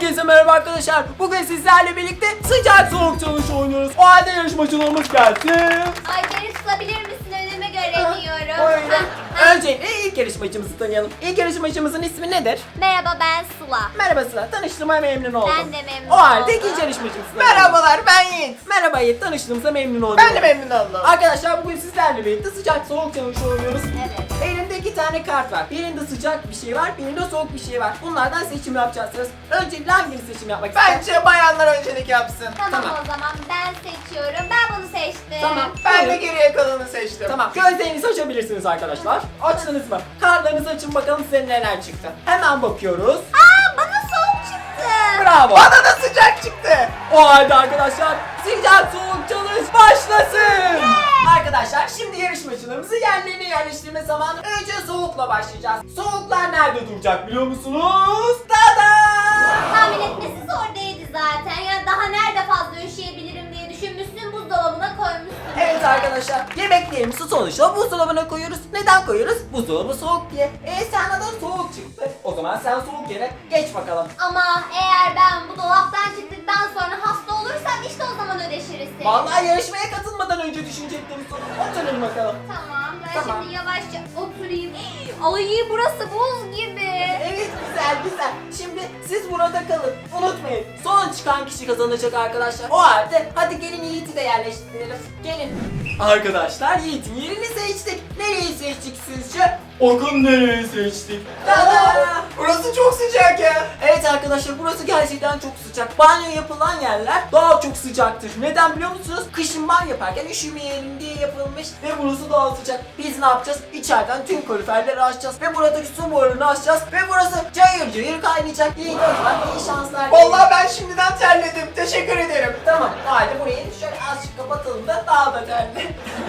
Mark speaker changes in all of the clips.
Speaker 1: Herkese merhaba arkadaşlar. Bugün sizlerle birlikte sıcak soğuk challenge oynuyoruz. O halde yarışmacılarımız gelsin.
Speaker 2: Ayça'yı tutabilir misin? Önüme göremiyorum.
Speaker 1: Öncelikle ilk yarışmacımızı tanıyalım. İlk yarışmacımızın ismi nedir?
Speaker 2: Merhaba, ben Sıla.
Speaker 1: Merhaba Sıla. Tanıştığıma memnun oldum.
Speaker 2: Ben de memnun
Speaker 1: O halde
Speaker 2: oldum.
Speaker 1: ikinci yarışmacımızı tanıyalım.
Speaker 3: Merhabalar, ben Yiğit.
Speaker 1: Merhaba Yiğit. Tanıştığımıza memnun oldum.
Speaker 3: Ben de memnun oldum.
Speaker 1: Arkadaşlar bugün sizlerle birlikte sıcak soğuk challenge oynuyoruz.
Speaker 2: Evet.
Speaker 1: Elimde 2 tane kart var. Birinde sıcak bir şey var, birinde soğuk bir şey var. Bunlardan seçim yapacaksınız. Öncelikle hangisini seçim yapmak ister?
Speaker 3: Bence bayanlar öncelik yapsın.
Speaker 2: Tamam,
Speaker 1: Tamam.
Speaker 2: o zaman ben seçiyorum. Ben bunu seçtim.
Speaker 1: Tamam.
Speaker 3: Ben de
Speaker 1: Buyurun.
Speaker 3: geriye kalanı seçtim.
Speaker 1: Tamam. Gözlerinizi açabilirsiniz arkadaşlar. Açtınız mı? Kartlarınızı açın bakalım size neler çıktı. Hemen bakıyoruz.
Speaker 2: Aa, bana soğuk çıktı.
Speaker 1: Bravo.
Speaker 3: Bana da sıcak çıktı.
Speaker 1: O halde arkadaşlar sıcak soğuk challenge başlasın. Arkadaşlar şimdi yarışmacılarımızı yerlerine yerleştirme zamanı. Önce soğukla başlayacağız. Soğuklar nerede duracak biliyor musunuz? Tada!
Speaker 2: Tahmin etmesi zor değildi zaten. Ya daha nerede fazla üşüyebilirim diye düşünmüşsün, buzdolabına koymuşsun.
Speaker 1: Evet arkadaşlar, yemeklerimizi sonuçta buzdolabına koyuyoruz. Neden koyuyoruz? Buzdolabı soğuk diye. Sana da soğuk çıktı. O zaman sen soğuk yere geç bakalım.
Speaker 2: Ama eğer ben bu dolaptan çıktıktan sonra hasta olursam işte o zaman ödeşiriz seni.
Speaker 1: Vallahi yarışmaya katılmadan önce düşünecektim soru. Oturun bakalım.
Speaker 2: Tamam, ben
Speaker 1: Tamam.
Speaker 2: şimdi yavaşça oturayım. Ay, burası buz gibi.
Speaker 1: Evet, güzel güzel. Şimdi siz burada kalın. Unutmayın. Son çıkan kişi kazanacak arkadaşlar. O halde hadi gelin Yiğit'i de yerleştirelim. Gelin. Arkadaşlar Yiğit'in yerini seçtik. Nereyi seçtik sizce? Bakın nereyi seçtik. Tada!
Speaker 3: Burası çok sıcak ya.
Speaker 1: Evet arkadaşlar, burası gerçekten çok sıcak. Banyo yapılan yerler daha çok sıcaktır. Neden biliyor musunuz? Kışın banyo yaparken üşümeyelim diye yapılmış ve burası daha sıcak. Biz ne yapacağız? İçeriden tüm kaloriferleri açacağız ve buradaki su borularını açacağız ve burası cayır cayır kaynayacak. İyi gözler, iyi şanslar.
Speaker 3: Vallahi ben şimdiden terledim. Teşekkür ederim.
Speaker 1: Tamam, o halde burayı şöyle azıcık kapatalım da daha da terli.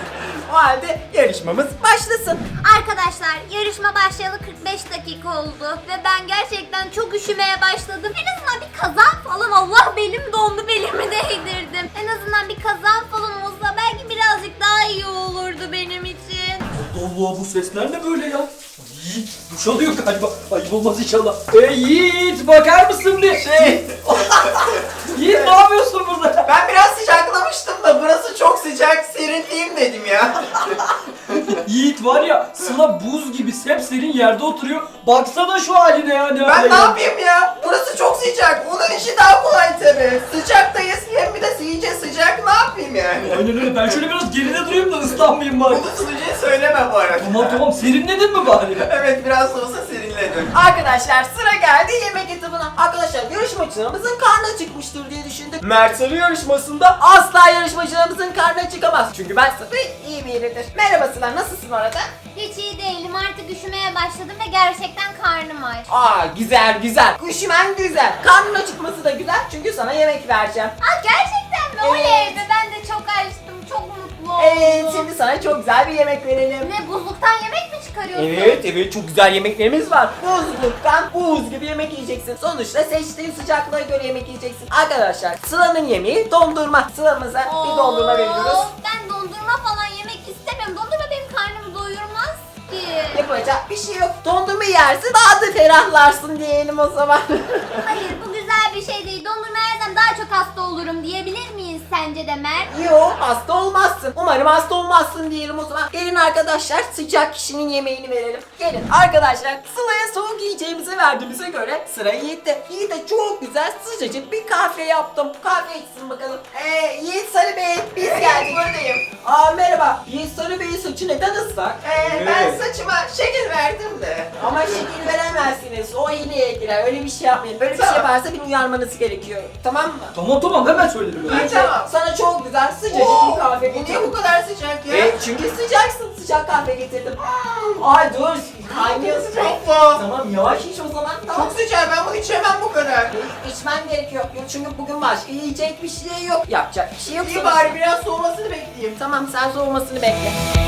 Speaker 1: O halde yarışmamız başlasın.
Speaker 2: Arkadaşlar, yarışma başlayalı 45 dakika oldu ve ben gerçekten çok üşümeye başladım. En azından bir kazan falan, Allah belim dondu, belimi değdirdim. En azından bir kazan falan olsa belki birazcık daha iyi olurdu benim için.
Speaker 4: Allah, bu sesler ne böyle ya? Yiğit duş alıyor galiba. Ayıp olmaz inşallah. Yiğit, bakar mısın bir? Yiğit, ne yapıyorsun burada?
Speaker 3: Ben biraz sıcaklamıştım da burası çok sıcak. Serinleyeyim dedim ya.
Speaker 4: Yiğit var ya, Sıla buz gibi sepserin yerde oturuyor. Baksana şu haline ya, ne hale
Speaker 3: Ben ne
Speaker 4: geldi.
Speaker 3: yapayım ya? Burası çok sıcak. Onun işi daha kolay tabii. Sıcaktayız hem bir de iyice sıcak. Ne yapayım yani?
Speaker 4: Aynen öyle, ben şöyle biraz geride durayım da ıslanmayayım bari.
Speaker 3: Bunu sunucuya söyleme bu arada.
Speaker 4: Tamam, serinledin mi bari?
Speaker 3: Evet, biraz da olsa serinledim.
Speaker 1: Arkadaşlar sıra geldi yemek etabına. Arkadaşlar yarışmacılarımızın karnı çıkmıştır diye düşündük. Mert Sarı yarışmasında asla yarışmacılarımızın karnı çıkamaz. Çünkü ben Sarı iyi biridir. Merhaba Sıla, nasılsın orada?
Speaker 2: Hiç iyi değilim, artık üşümeye başladım ve gerçekten karnım aç.
Speaker 1: Aa güzel güzel. Üşümen güzel. Karnın acıkması da güzel çünkü sana yemek vereceğim.
Speaker 2: Aa, gerçekten mi?
Speaker 1: Evet.
Speaker 2: Oley be, ben de çok açtım, çok mutlu oldum.
Speaker 1: Evet şimdi sana çok güzel bir yemek verelim.
Speaker 2: Ne, buzluktan yemek mi çıkarıyorsun?
Speaker 1: Evet çok güzel yemeklerimiz var. Buzluktan buz gibi yemek yiyeceksin. Sonuçta seçtiğin sıcaklığa göre yemek yiyeceksin. Arkadaşlar Sıla'nın yemeği dondurma. Sıla'mıza bir dondurma veriyoruz.
Speaker 2: Ben dondurma falan yemek istemiyorum. Dondurma benim karnımı doyurmaz ki.
Speaker 1: Yapacak bir şey yok. Dondurma yersin daha da ferahlarsın diyelim o zaman.
Speaker 2: Hayır, bu güzel bir şey değil. Dondurma yersem daha çok hasta olurum diyebilir miyiz sence de Mert?
Speaker 1: Yo hasta olmazsın. Umarım hasta olmazsın diyelim o zaman. Gelin arkadaşlar sıcak kişinin yemeğini verelim. Gelin arkadaşlar Sıla'ya soğuk yiyeceğimizi verdiğimize göre sıra Yiğit'te. Yiğit'e çok güzel sıcacık bir kahve yaptım. Kahve içsin bakalım. Yiğit Sarı Bey biz geldik.
Speaker 3: Buradayım.
Speaker 1: Aa merhaba. Yiğit Sarı Bey'in saçı neden ıslak?
Speaker 3: Ben saçıma şekil verdim de.
Speaker 1: Ama şekil veremezsiniz. O hileye girer. Öyle bir şey yapmayın. Böyle bir şey
Speaker 3: Tamam.
Speaker 1: varsa beni uyarmanız gerekiyor. Tamam mı?
Speaker 4: Tamam, hemen söylerim.
Speaker 3: Ha, tamam.
Speaker 1: Sana çok güzel sıcacık bir kahve
Speaker 3: Bu niye
Speaker 1: getirdim.
Speaker 3: bu kadar sıcak ya?
Speaker 1: Çünkü sıcaksın. Sıcak kahve getirdim. Ay dur. Kaynıyorsun.
Speaker 3: Çok soğuk.
Speaker 1: Tamam yavaş iç o zaman. Tamam.
Speaker 3: Çok sıcak, ben bunu içemem bu kadar.
Speaker 1: İçmen gerekiyor. Yok çünkü bugün başka yiyecek bir şey yok. Yapacak bir şey yok.
Speaker 3: İyi
Speaker 1: sonuçta.
Speaker 3: bari biraz soğumasını bekleyeyim.
Speaker 1: Tamam sen soğumasını bekle.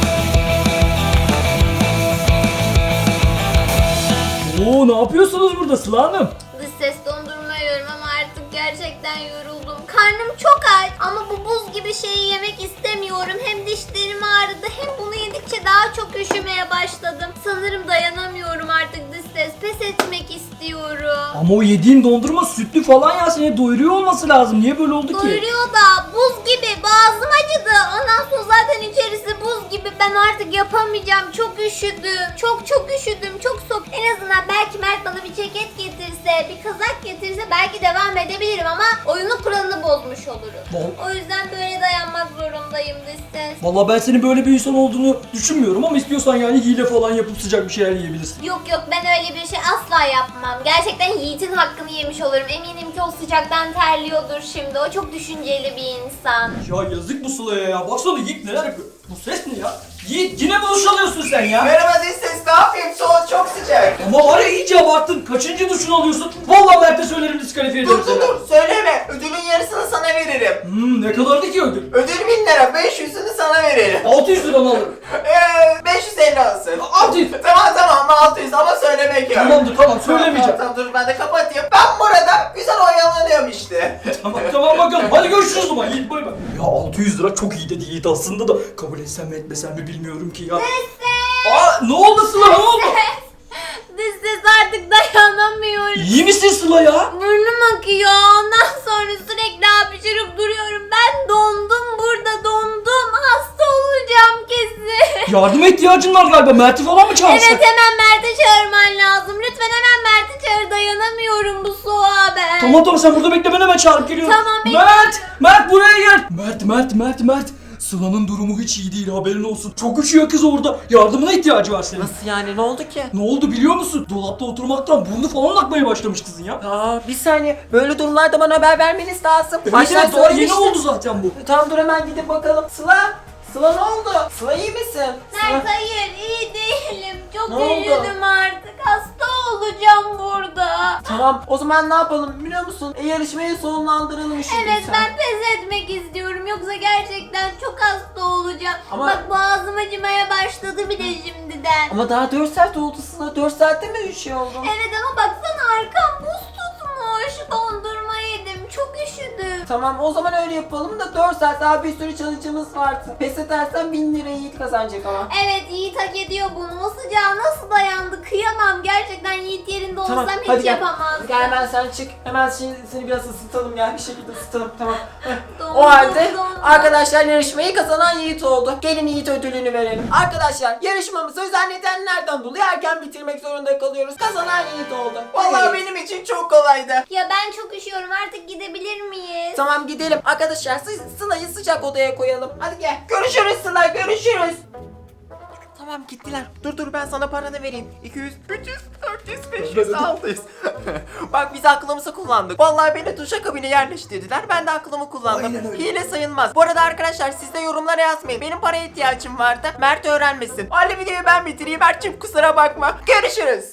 Speaker 4: Oo, ne yapıyorsunuz burada Sıla Hanım?
Speaker 2: Dış ses dondurma yiyorum ama artık gerçekten yoruldum. Karnım çok aç ama bu buz gibi şeyi yemek istemiyorum. Hem dişlerim ağrıdı hem bunu yedik ilerledikçe daha çok üşümeye başladım. Sanırım dayanamıyorum artık dış ses. Pes etmek istiyorum.
Speaker 4: Ama o yediğin dondurma sütlü falan ya, seni doyuruyor olması lazım. Niye böyle oldu ki?
Speaker 2: Doyuruyor da buz gibi, boğazım acıdı. Ondan sonra zaten içerisi buz gibi. Ben artık yapamayacağım. Çok üşüdüm. Çok üşüdüm. Çok soğuk. En azından belki Mert bana bir ceket getirse, bir kazak getirse belki devam edebilirim ama oyunun kuralını bozmuş olurum. O yüzden böyle dayanmak zorundayım dış ses.
Speaker 4: Vallahi ben senin böyle bir insan olduğunu düşünmüyorum ama istiyorsan yani hile falan yapıp sıcak bir şeyler yiyebilirsin.
Speaker 2: Yok ben öyle bir şey asla yapmam. Gerçekten Yiğit'in hakkını yemiş olurum. Eminim ki o sıcaktan terliyordur şimdi. O çok düşünceli bir insan.
Speaker 4: Ya yazık bu Sıla'ya ya. Baksana Yiğit neler yapıyor. Bu ses ne ya? Yiğit yine mi duş alıyorsun sen ya?
Speaker 3: Merhaba dış ses, ne yapayım? Soğuk, çok sıcak.
Speaker 4: Ama var ya iyice abarttın. Kaçıncı duşunu alıyorsun? Vallahi Mert'e söylerim, diskalifiye ederim seni.
Speaker 3: Dur söyleme, ödülün yarısını sana veririm.
Speaker 4: Ne kadardı ki ödül?
Speaker 3: Ödül 1000 lira, 500'ünü sana veririm.
Speaker 4: 600 lira mı alırım?
Speaker 3: 550 olsun.
Speaker 4: 600.
Speaker 3: Tamam 600 ama söylemek yok.
Speaker 4: Tamamdır tamam söylemeyeceğim.
Speaker 3: Tamam dur ben de kapatayım. Ben burada güzel oyalanıyorum işte.
Speaker 4: Tamam bakalım. Hadi görüşürüz o zaman Yiğit, bay bay. Ya 600 lira çok iyi dedi Yiğit aslında da kabul etsem mi etmesem mi bilmiyorum ki ya. Aa ne oldu Sıla, ne oldu?
Speaker 2: Dış ses artık dayanamıyorum.
Speaker 4: İyi misin Sıla ya?
Speaker 2: Burnum akıyor. Ondan sonra sürekli hapşırıp duruyorum. Ben dondum burada, dondum. Hasta olacağım kesin.
Speaker 4: Yardıma ihtiyacın var galiba. Mert'i falan mı çağırsak?
Speaker 2: Evet, hemen Mert'i çağırman lazım. Lütfen hemen Mert'i çağır. Dayanamıyorum bu soğuğa ben.
Speaker 4: Tamam sen burada bekle, ben hemen çağırıp geliyorum.
Speaker 2: Tamam, bekliyorum.
Speaker 4: Mert buraya gel. Mert. Sıla'nın durumu hiç iyi değil, haberin olsun. Çok üşüyor kız orada. Yardımına ihtiyacı var senin.
Speaker 1: Nasıl yani, ne oldu ki?
Speaker 4: Ne oldu biliyor musun? Dolapta oturmaktan burnu falan akmaya başlamış kızın ya.
Speaker 1: Bir saniye, böyle durumlarda bana haber vermeniz lazım.
Speaker 4: Evet doğru, yeni oldu zaten bu.
Speaker 1: Tamam dur hemen gidip bakalım. Sıla ne oldu? Sıla iyi misin?
Speaker 2: Mert hayır, iyi değilim. Çok
Speaker 1: Ne oldu?
Speaker 2: üşüdüm artık. Hasta olacağım burada.
Speaker 1: Tamam, o zaman ne yapalım biliyor musun? Yarışmayı sonlandıralım şimdi.
Speaker 2: Evet, ben pes etmek istiyorum. Yoksa gerçekten çok hasta olacağım.
Speaker 1: Ama-
Speaker 2: Bak boğazım acımaya başladı bile şimdiden.
Speaker 1: Ama daha 4 saat oldu Sıla. 4 saatte mi üşüyor oldun?
Speaker 2: Evet ama baksana arkam buz tutmuş. Dondurma yedim. Çok üşüdüm.
Speaker 1: Tamam, o zaman öyle yapalım da 4 saat daha bir sürü challenge'ımız vardı. Pes edersen 1000 lira Yiğit kazanacak ama.
Speaker 2: Evet, Yiğit hak ediyor bunu. O sıcağa nasıl dayandı? Kıyamam. Gerçekten Yiğit yerinde olsam
Speaker 1: Tamam,
Speaker 2: hiç
Speaker 1: hadi gel.
Speaker 2: yapamazdım.
Speaker 1: Gel hemen sen çık. Hemen seni biraz ısıtalım, gel bir şekilde ısıtalım, tamam.
Speaker 2: Dondum,
Speaker 1: O halde
Speaker 2: dondum.
Speaker 1: arkadaşlar yarışmayı kazanan Yiğit oldu. Gelin Yiğit ödülünü verelim. Arkadaşlar yarışmamızı özel nedenlerden dolayı erken bitirmek zorunda kalıyoruz. Kazanan Yiğit oldu.
Speaker 3: Vallahi benim için çok kolaydı.
Speaker 2: Ya ben çok üşüyorum. Artık gidebilir miyiz?
Speaker 1: Tamam gidelim. Arkadaşlar Sıla'yı sıcak odaya koyalım. Hadi gel. Görüşürüz Sıla, görüşürüz. Tamam gittiler. Dur ben sana paranı vereyim. 200, 300, 400, 500, 600. Bak biz aklımızı kullandık. Vallahi beni duşakabine yerleştirdiler. Ben de aklımı kullandım.
Speaker 4: Aynen öyle.
Speaker 1: Hile sayılmaz. Bu arada arkadaşlar siz de yorumlara yazmayın. Benim paraya ihtiyacım vardı. Mert öğrenmesin. Hadi videoyu ben bitireyim. Mert'cim kusura bakma. Görüşürüz.